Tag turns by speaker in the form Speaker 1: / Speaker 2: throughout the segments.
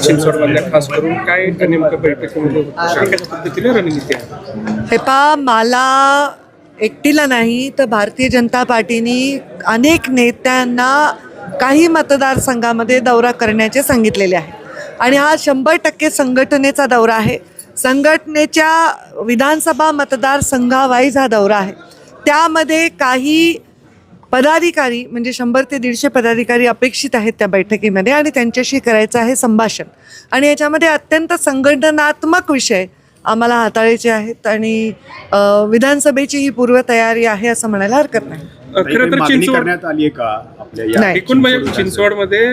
Speaker 1: चिंचवडमधल्या खास करून काय नेमकं बैठकीमध्ये कशा पद्धतीने रणनीती आहे?
Speaker 2: हे पहा, मला एकटीला नाही तर भारतीय जनता पार्टीने अनेक नेत्यांना काही मतदारसंघामध्ये दौरा करण्याचे सांगितलेले आहे आणि हा 100% संघटनेचा दौरा आहे. संघटनेच्या विधानसभा मतदारसंघावाईज हा दौरा आहे. त्यामध्ये काही पदाधिकारी म्हणजे 100 ते 150 पदाधिकारी अपेक्षित आहेत त्या बैठकीमध्ये आणि त्यांच्याशी करायचं आहे संभाषण. आणि याच्यामध्ये अत्यंत संघटनात्मक विषय आम्हाला हाताळायचे आहेत आणि विधानसभेची ही पूर्वतयारी आहे असं म्हणायला हरकत नाही.
Speaker 1: खरं तर चिंचवड
Speaker 3: करण्यात आली आहे का आपल्या
Speaker 1: एकूण म्हणजे चिंचवडमध्ये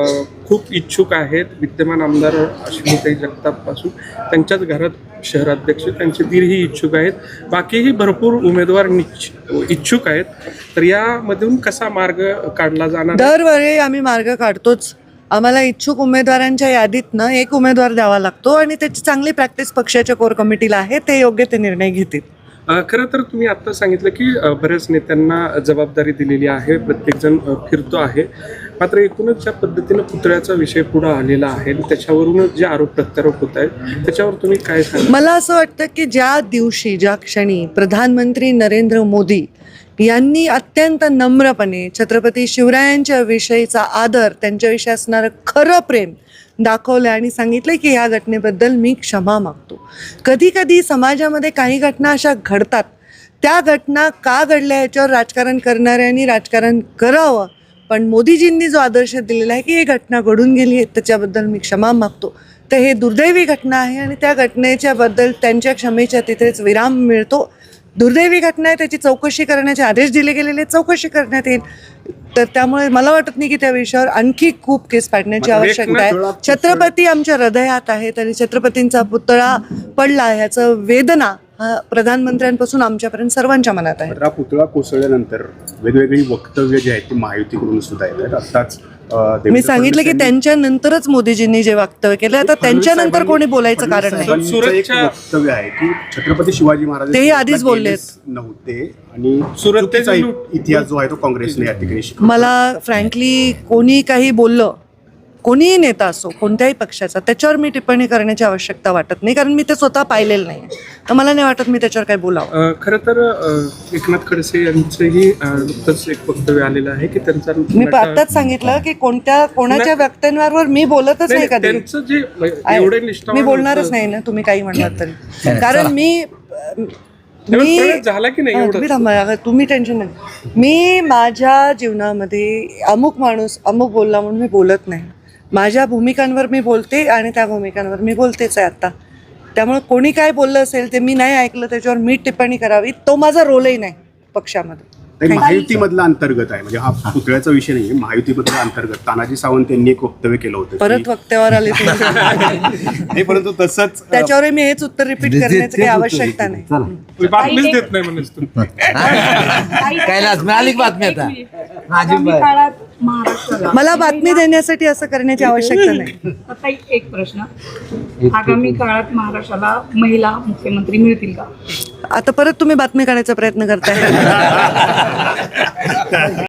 Speaker 1: खूप इच्छुक आहेत. विद्यमान आमदार अश्विनीताई जगताप पासून त्यांच्याच घरात शहराध्यक्ष त्यांचे दीरही इच्छुक आहेत. बाकीही भरपूर उमेदवार इच्छुक आहेत. तर यामधून कसा मार्ग काढला जाणार?
Speaker 2: दरवेळी आम्ही मार्ग काढतोच. आम्हाला इच्छुक उमेदवारांच्या यादीतनं एक उमेदवार द्यावा लागतो आणि त्याची चांगली प्रॅक्टिस पक्षाच्या कोर कमिटीला आहे. ते योग्य ते निर्णय घेतील.
Speaker 1: खरं तर तुम्ही आता सांगितलं की बऱ्याच नेत्यांना जबाबदारी दिलेली आहे, प्रत्येकजण फिरतो आहे. मात्र एकूणच ज्या पद्धतीनं पुतळ्याचा विषय पुढे आलेला आहे त्याच्यावरूनच जे आरोप प्रत्यारोप होत आहेत त्याच्यावर तुम्ही काय सांगा?
Speaker 2: मला असं वाटतं की ज्या दिवशी ज्या क्षणी प्रधानमंत्री नरेंद्र मोदी यांनी अत्यंत नम्रपणे छत्रपती शिवरायांच्या विषयीचा आदर, त्यांच्याविषयी असणारं खरं प्रेम दाखवलं आणि सांगितलं की ह्या घटनेबद्दल मी क्षमा मागतो. कधी कधी समाजामध्ये काही घटना अशा घडतात, त्या घटना का घडल्या याच्यावर राजकारण करणाऱ्यांनी राजकारण करावं. पण मोदीजींनी जो आदर्श दिलेला आहे की ही घटना घडून गेली आहे त्याच्याबद्दल मी क्षमा मागतो, तर हे दुर्दैवी घटना आहे आणि त्या घटनेच्या बद्दल त्यांच्या क्षमेच्या तिथेच विराम मिळतो. दुर्दैवी घटना आहे, त्याची चौकशी करण्याचे आदेश दिले गेलेले, चौकशी करण्यात येईल. तर त्यामुळे मला वाटत नाही की त्या विषयावर आणखी खूप केस पाडण्याची आवश्यकता आहे. छत्रपती आमच्या हृदयात आहेत आणि छत्रपतींचा पुतळा पडला ह्याचं वेदना हा प्रधानमंत्र्यांपासून आमच्यापर्यंत सर्वांच्या मनात आहे.
Speaker 3: हा पुतळा कोसळल्यानंतर वेगवेगळी वक्तव्य जी आहेत ती महायुतीकडून सुद्धा येत आहेत. आत्ताच
Speaker 2: मी सांगितलं की त्यांच्यानंतरच मोदीजींनी जे वक्तव्य केलं, आता त्यांच्यानंतर कोणी बोलायचं कारण नाही.
Speaker 3: एक वक्तव्य आहे की छत्रपती शिवाजी महाराज
Speaker 2: तेही आधीच बोलले
Speaker 3: नव्हते आणि सुरतेचा इतिहास जो आहे तो काँग्रेसने या ठिकाणी शिकवला.
Speaker 2: मला फ्रँकली कोणी काही बोललं, कोणीही नेता असो कोणत्याही पक्षाचा, त्याच्यावर मी टिप्पणी करण्याची आवश्यकता वाटत नाही, कारण मी ते स्वतः पाहिलेलं नाही. तर मला नाही वाटत मी त्याच्यावर काही बोलावं.
Speaker 1: खरं तर एकनाथ खडसे यांचंही नुकतंच एक वक्तव्य आलेलं आहे की त्यांचा
Speaker 2: मी आत्ताच सांगितलं की कोणाच्या व्यक्तींवर मी बोलतच नाही कधी.
Speaker 1: त्यांचं जे एवढे
Speaker 2: मी बोलणारच नाही ना, तुम्ही काही म्हणलात तरी. कारण मी
Speaker 1: झाला की नाही
Speaker 2: तुम्ही थांबा, तुम्ही टेन्शन नाही. मी माझ्या जीवनामध्ये अमुक माणूस अमुक बोलला म्हणून मी बोलत नाही. माझ्या भूमिकांवर मी बोलते आणि त्या भूमिकांवर मी बोलतेच आहे आता. त्यामुळे कोणी काय बोललं असेल ते मी नाही ऐकलं, त्याच्यावर मी टिप्पणी करावी, तो माझा रोलही नाही पक्षामध्ये.
Speaker 3: महायुतीमधला अंतर्गत आहे, म्हणजे हा पुतळ्याचा विषय नाही, महायुतीमधला अंतर्गत तानाजी सावंत यांनी एक वक्तव्य केलं होतं.
Speaker 2: परत वक्त्यावर आले
Speaker 3: नाही, परंतु तसंच
Speaker 2: त्याच्यावर मी हेच उत्तर रिपीट करण्याची काही आवश्यकता नाही.
Speaker 1: बातमीच देत नाही म्हणून
Speaker 4: कैलास मिळाली बातमी आता.
Speaker 2: मला बातमी देण्यासाठी असं करण्याची आवश्यकता नाही.
Speaker 5: आता एक प्रश्न, आगामी काळात महाराष्ट्राला महिला मुख्यमंत्री मिळतील का?
Speaker 2: आता परत तुम्ही बातमी काढायचा प्रयत्न करताय.